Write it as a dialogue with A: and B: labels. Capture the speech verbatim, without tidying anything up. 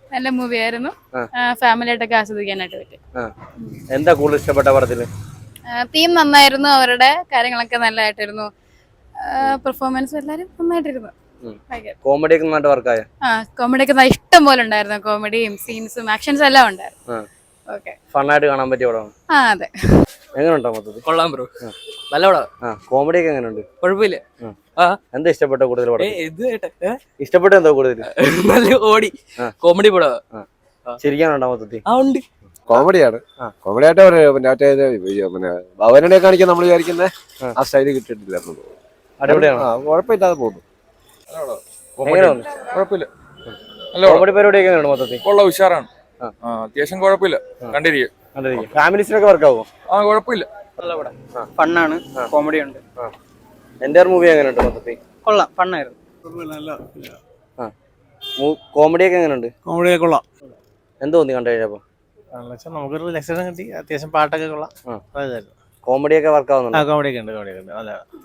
A: നല്ല മൂവി ആയിരുന്നു. ഫാമിലി ആയിട്ടൊക്കെ ആസ്വദിക്കാനായിട്ട് പറ്റും.
B: എന്താ കൂടുതൽ ഇഷ്ടപ്പെട്ട പടത്തില്?
A: തീം നന്നായിരുന്നു, അവരുടെ കാര്യങ്ങളൊക്കെ നല്ലതായിട്ടിരുന്നു, പെർഫോമൻസ് എല്ലാരും നന്നായിട്ടിരുന്നു.
B: കോമഡി ഒക്കെ നന്നായിട്ട് വർക്കായ?
A: ആ കോമഡി ഒക്കെ ഇഷ്ടം പോലെ ഉണ്ടായിരുന്നു. കോമഡിയും സീൻസും ആക്ഷൻസും എല്ലാം ഉണ്ടായിരുന്നു.
B: ഫണ്ണായിട്ട് കാണാൻ പറ്റിയ പടമാണ്.
A: ആ അതെ.
B: എങ്ങനെയുണ്ടോ മൊത്തത്തിൽ?
C: കൊള്ളാം ബ്രോ, നല്ല പടം.
B: കോമഡി ഒക്കെ എങ്ങനെയുണ്ട്?
C: കുഴപ്പമില്ല.
B: എന്താ ഇഷ്ടപ്പെട്ട കൂടുതൽ പടം?
C: ഇഷ്ടപ്പെട്ട
B: എന്തോ കൂടുതൽ?
C: നല്ല ഓടി കോമഡി പടം.
B: ചിരിക്കാനുണ്ടോ മൊത്തത്തിൽ?
C: ആ ഉണ്ട്.
D: കോമഡിയാണ്. കോമഡി ആയിട്ട് മറ്റേ പിന്നെ ഭവനെ കാണിക്കാൻ നമ്മൾ വിചാരിക്കുന്ന ആ സ്റ്റൈല് കിട്ടിയിട്ടില്ലായിരുന്നു. കുഴപ്പമില്ലാതെ പോകുന്നു.
E: കുഴപ്പമില്ല.
B: കോമഡി പരിപാടിയൊക്കെ എങ്ങനെയുണ്ട് മൊത്തത്തിൽ?
E: കൊള്ള ഉഷാറാണ്, അത്യാവശ്യം കുഴപ്പമില്ല, കണ്ടിരിക്കും.
B: ഫാമിലീസിനൊക്കെ വർക്കാവോ?
E: ആ കുഴപ്പമില്ല,
C: നല്ല പടം, ഫണ്ണാണ്, കോമഡി ഉണ്ട്.
B: എന്റെ മൂവി എങ്ങനെയുണ്ട് മൊത്തത്തിൽ?
C: കൊള്ളാം, ഫണ്ണായിരുന്നു.
B: കോമഡി ഒക്കെ എങ്ങനെയുണ്ട്?
F: കോമഡി കൊള്ളാം.
B: എന്ത് തോന്നി കണ്ടു കഴിഞ്ഞപ്പോ?
F: നമുക്കൊരു റിലാക്സേഷൻ കിട്ടി, അത്യാവശ്യം പാട്ടൊക്കെ കൊള്ളാം.
B: കോമഡി ഒക്കെ വർക്ക് ആവുന്നുണ്ട്.
F: കോമഡി ഒക്കെ ഉണ്ട്, കോമഡി ഒക്കെ ഉണ്ട്. നല്ല